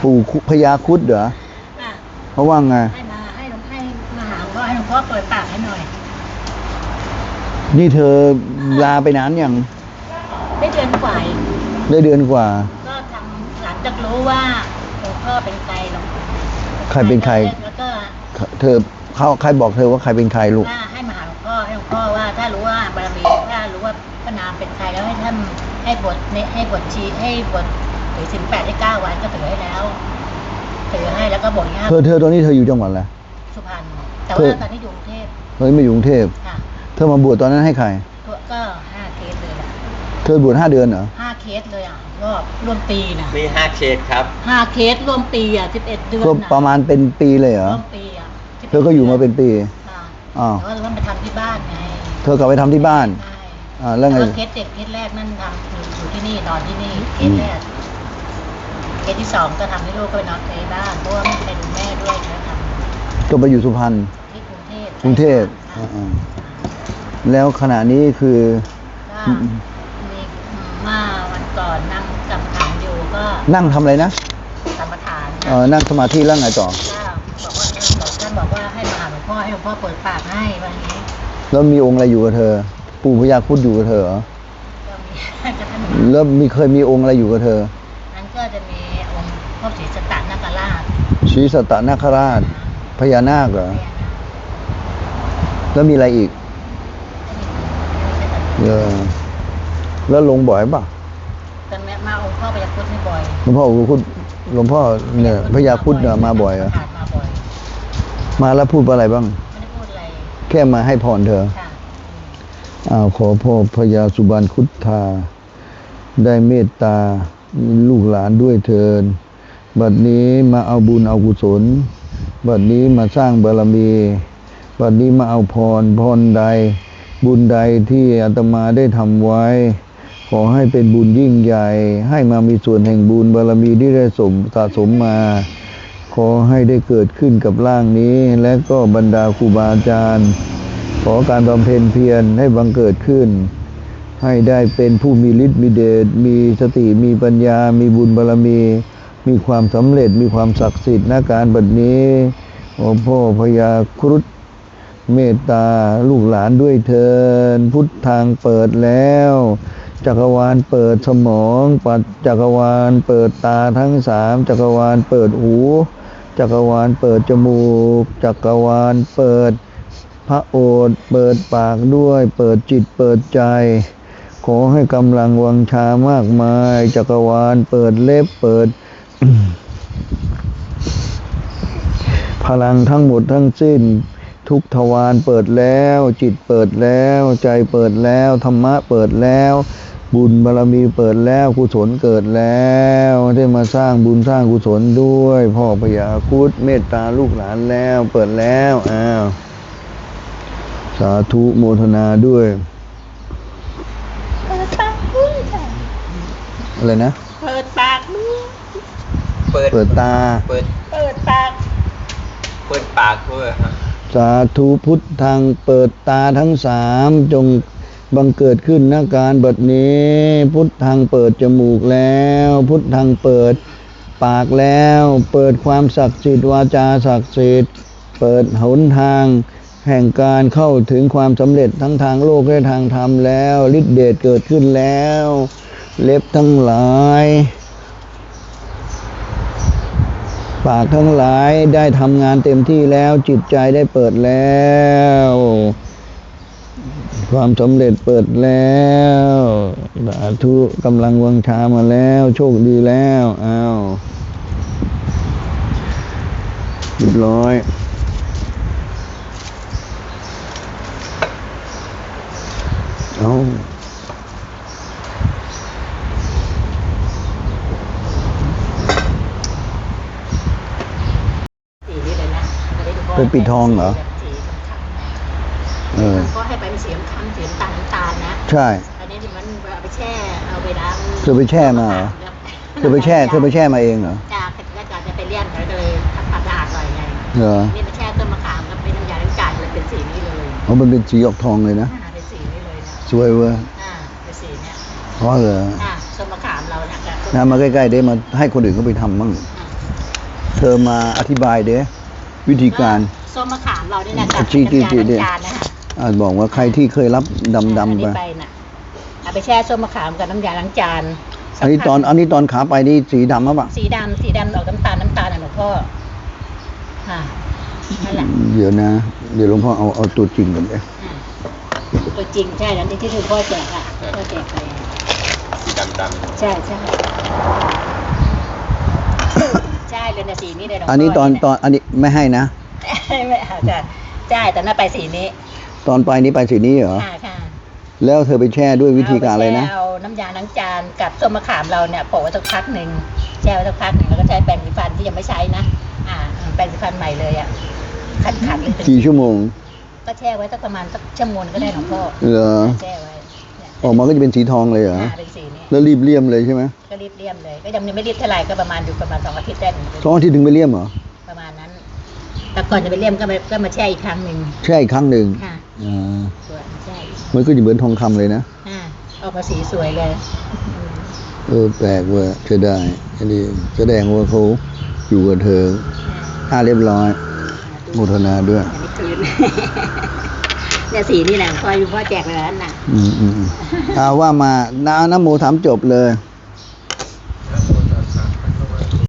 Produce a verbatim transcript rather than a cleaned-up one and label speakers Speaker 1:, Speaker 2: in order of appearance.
Speaker 1: ปู่พญาครุฑเหรอเพราะว่าไง
Speaker 2: ให้มาให้หลวงให้มาหาหลวงพ่อให้หลวงพ่อเปิดปากให้หน่อย
Speaker 1: นี่เธอลาไปนานยัง
Speaker 2: ได้เดือนกว่า
Speaker 1: ได้เดือนกว่า
Speaker 2: ก็ทำหลังจากรู้ว่าหลวงพ่อเป็นใครหลวง
Speaker 1: ใครเป็นใคร
Speaker 2: แล้วก็
Speaker 1: เธอเขาใครบอกเธอว่าใครเป็นใครลูก
Speaker 2: ให้มาหาหลวงพ่อให้หลวงพ่อว่าถ้ารู้ว่าบารมีถ้ารู้ว่าพระนามเป็นใครแล้วให้ท่านให้บทให้บทชีให้บทถือศีลแปดได้เก้าวันก็ถือให้แล้วถือให้แล้วก็บทห้า
Speaker 1: เธอเธอตอนนี้เธออยู่จังหวัดอะไร
Speaker 2: สุพรรณแต่ว่าตอนนี้อยู่กรุงเทพ
Speaker 1: เฮ้ยไม่อยู่กรุงเทพเธอมาบวชตอนนั้นให้ใคร
Speaker 2: ก็ห้าเคสเลยล่ะ
Speaker 1: เธอบวชห้าเดือนเหรอ
Speaker 2: ห้าเคสเลยอ่ะรอบรวมปีนะ
Speaker 3: มีห้าเคสครับ
Speaker 2: ห้าเคสรวมปีอ่ะสิบเอ็ดเดือน
Speaker 1: ก็ประมาณเป็นปีเลยเหรอ
Speaker 2: รวมปีอ่ะ
Speaker 1: เธอก็อยู่มาเป็นปี
Speaker 2: อ๋อแต่ว่าเราไปทำที่บ้านไง
Speaker 1: เธอกลับไปทำที่บ้านอ่าแล้วไง
Speaker 2: เคสเด็กเคสแรกนั่นทำอยู่ที่นี่นอนที่นี่เคสแรกเคสที่สองก็ทำให้ลูกก็ไปนอนในบ้านเพราะว่าไม่ใครดูแม่ด้วยนะทำ
Speaker 1: ก็ไปอยู่สุพรรณ
Speaker 2: ที่กรุงเทพ
Speaker 1: กรุงเทพแล้วขณะนี้คือ
Speaker 2: มีมาวันก่อนนั่งกรรมฐานอยู่ก็
Speaker 1: นั่งทำอะไรนะ
Speaker 2: กรรมฐาน
Speaker 1: เออนั่งสมาธิแล้วไงต่อ
Speaker 2: บอกว่าท่านบอกว่าให้มาหาหลวงพ่อให้หลวงพ่อเปิดปากให้วันนี้
Speaker 1: แล้วมีองค์อะไรอยู่กับเธอปู่พญาครุฑอยู่กับเธอเหรอแล้วมีเคยมีองค์อะไรอยู่กับเธอ
Speaker 2: นั้นก็จะมีองค์พ่อศรีสัตตนาคราช
Speaker 1: ศรีสัตตนาคราชพญานาคเหรอแล้วมีอะไรอีกเออแล้วลงบ่อยป่ะ
Speaker 2: ตอนนี้มาองค์พ่อพญาครุฑไม่บ่อย
Speaker 1: หลวงพ่อพญาครุฑหลวงพ่อเนี่ยพญาครุฑเนี่ยมาบ่อยเหรอมาแล้วพูดอะไรบ้าง
Speaker 2: ไม่ได้พูดอะไร
Speaker 1: แค่มาให้พรเธออ้าวขอพ่อพญาสุบรรณครุฑธาได้เมตตาลูกหลานด้วยเถิดบัดนี้มาเอาบุญเอากุศลบัดนี้มาสร้างบารมีบัดนี้มาเอาพรพรใดบุญใดที่อาตมาได้ทำไว้ขอให้เป็นบุญยิ่งใหญ่ให้มามีส่วนแห่งบุญบารมีที่ได้สมสะสมมาขอให้ได้เกิดขึ้นกับร่างนี้และก็บรรดาครูบาอาจารย์ขอการบำเพ็ญเพียรให้บังเกิดขึ้นให้ได้เป็นผู้มีฤทธิ์มีเดชมีสติมีปัญญามีบุญบารมีมีความสำเร็จมีความศักดิ์สิทธิ์ณการบัดนี้ขอพ่อพญาครุฑเมตตาลูกหลานด้วยเถิดพุทธทางเปิดแล้วจักรวาลเปิดสมองปัดจักรวาลเปิดตาทั้งสามจักรวาลเปิดหูจักรวาลเปิดจมูกจักรวาลเปิดพระโอษฐ์เปิดปากด้วยเปิดจิตเปิดใจขอให้กำลังวังชามากมายจักรวาลเปิดเล็บเปิด พลังทั้งหมดทั้งสิ้นทุกทวารเปิดแล้วจิตเปิดแล้วใจเปิดแล้วธรรมะเปิดแล้วบุญบารมีเปิดแล้วกุศลเกิดแล้วได้มาสร้างบุญสร้างกุศลด้วยพ่อพญาครุฑเมตตาลูกหลานแล้วเปิดแล้วอ้าวสาธุโมทนาด้วย
Speaker 2: เปิดปากมือ
Speaker 1: อะไรนะ
Speaker 2: เปิดปากมือ
Speaker 1: เปิดเปิดตา
Speaker 3: เปิด
Speaker 2: เปิดปาก
Speaker 3: เปิดปากด้วย
Speaker 1: สาธุพุทธังเปิดตาทั้งสามจงบังเกิดขึ้นณการบัดนี้พุทธังเปิดจมูกแล้วพุทธังเปิดปากแล้วเปิดความศักดิ์สิทธิ์วาจาศักดิ์สิทธิ์เปิดหนทางแห่งการเข้าถึงความสำเร็จทั้งทางโลกและทางธรรมแล้วฤทธิเดชเกิดขึ้นแล้วเล็บทั้งหลายปากทั้งหลายได้ทำงานเต็มที่แล้วจิตใจได้เปิดแล้วความสำเร็จเปิดแล้วสาธุกำลังวังชามาแล้วโชคดีแล้วอ้าวเรียบร้อยเอาเป็นปิดทองเหรอ
Speaker 2: เออก็ให้ไปเป็นสีน้ำตาลสีน้ำตาลน้ำตาลนะ
Speaker 1: ใช่
Speaker 2: อันนี้มันเอาไปแช่เอาไปล้าง
Speaker 1: เธอไปแช่มาเหรอเธอไปแช่เธอไปแช่มาเองเหรอ
Speaker 2: จ้าก็จะจะไปเลี้ยงก็เลยทำความสะอาดหน่อยไง
Speaker 1: เหรอ
Speaker 2: นี่ไปแช่ต้นมะขามแล้วเป็นน้ำยาล้างจานเลยเป็นสีนี้เลย
Speaker 1: อ๋อมันเป็นสีออกทองเลยนะ
Speaker 2: เป็นสีนี้เลยนะ
Speaker 1: สวยเว้ย
Speaker 2: อ่าเป็นสีเนี้ย
Speaker 1: อ๋อเหรอ
Speaker 2: อ่าต้นมะขามเราเนี่ย
Speaker 1: นะมาใกล้ๆได้มาให้คนอื่นเขาไปทำบ้างเธอมาอธิบายเด้วิธีการ
Speaker 2: ส้มมะขามเราเนี่ยนะกับ
Speaker 1: จี้จี้จี้
Speaker 2: น้ำ
Speaker 1: เนี่ย
Speaker 2: ยาล้างจานนะคะ
Speaker 1: อาจบอกว่าใครที่เคยรับดำ
Speaker 2: อัน
Speaker 1: ดำ
Speaker 2: นี้
Speaker 1: ไป
Speaker 2: ไปน่ะเอาไปแช่ส้มมะขามกับน้ำยาล้างจาน
Speaker 1: อันนี้ตอนอันนี้ตอนขาไปนี่สีดำมั้งปะ
Speaker 2: สีดำสีดำออกน้ำตาลน้ำตาลน่ะหลวงพ่อค่ะนั่นแหละ
Speaker 1: เดี๋ยวนะ เดี๋ยวหลวงพ่อเอาเอาตัวจริงก่อนเลย
Speaker 2: อ่าตัวจริงใช่แล้วที่ที่หลวงพ่อแจกอ่ะพ่อแจกไป
Speaker 3: สีดำดำ
Speaker 2: ใช่ใช่ใช่เลยนะสีนี้เลยหลวงพ่อ
Speaker 1: อั
Speaker 2: อั
Speaker 1: นนี้ตอนตอนอันนี้ไม่ให้นะ
Speaker 2: ไม่เอาจ้ะใช่แต่น่าไปสีนี้
Speaker 1: ตอนไปนี้ไปสีนี้เหรอ
Speaker 2: ค่ะค่ะ
Speaker 1: แล้วเธอไปแช่ด้วยวิธีการอะไรนะ
Speaker 2: เอาน้ำยาล้างจานกับส้มมะขามเราเนี่ยโปะไว้สักพักหนึ่งแช่ไว้สักพักหนึ่งแล้วก็ใช้แปรงสีฟันที่ยังไม่ใช้นะอ่าแปรงสีฟันใหม่เลยอ่ะขัดขัดๆเลย
Speaker 1: กี่ชั่วโมง
Speaker 2: ก็แช่ไว้สักประมาณสักชั่วโมงก็ได้หลวงพ่อ
Speaker 1: เหรอ
Speaker 2: แช่ไว้เนี่ย
Speaker 1: ออกมาก็จะเป็นสีทองเลยเหรอ
Speaker 2: อ่าเป็นสีนี้
Speaker 1: แล้วรีบเลี่ยมเลยใช่ไหม
Speaker 2: ก็รีบเลี่ยมเลย ก็ยังไม่รีบเท่าไหร่ก็ประมาณอยู่ประมาณสองอาทิตย์ได้
Speaker 1: ท้องที่ถึงไปเลี่ยมเหรอ
Speaker 2: ประมาณนั้นแต่ก่อนจะไปเลี่ยมก็มาก็มาแช่อีกครั้งหนึ่ง
Speaker 1: แช่อีกครั้งหนึ่ง
Speaker 2: ค่ะ
Speaker 1: อ่า
Speaker 2: ส่วนแช่อีก
Speaker 1: มันก็จะเหมือนทองคำเลยนะ
Speaker 2: อ่าออกมาสีสวยเลย
Speaker 1: เออแปลกเว่าจะได้ อันนี้แสดงว่าเขาอยู่กับเธออ่าเรียบร้อยโมทนาด้วย
Speaker 2: อันนี้คืน เนี่ยสีนี่แหละพ่อพ่อแจกเลยนั่นน่ะ
Speaker 1: อืมอืมอืมอ่าว่ามาน้าน้ำโมถามจบเลย
Speaker 2: อ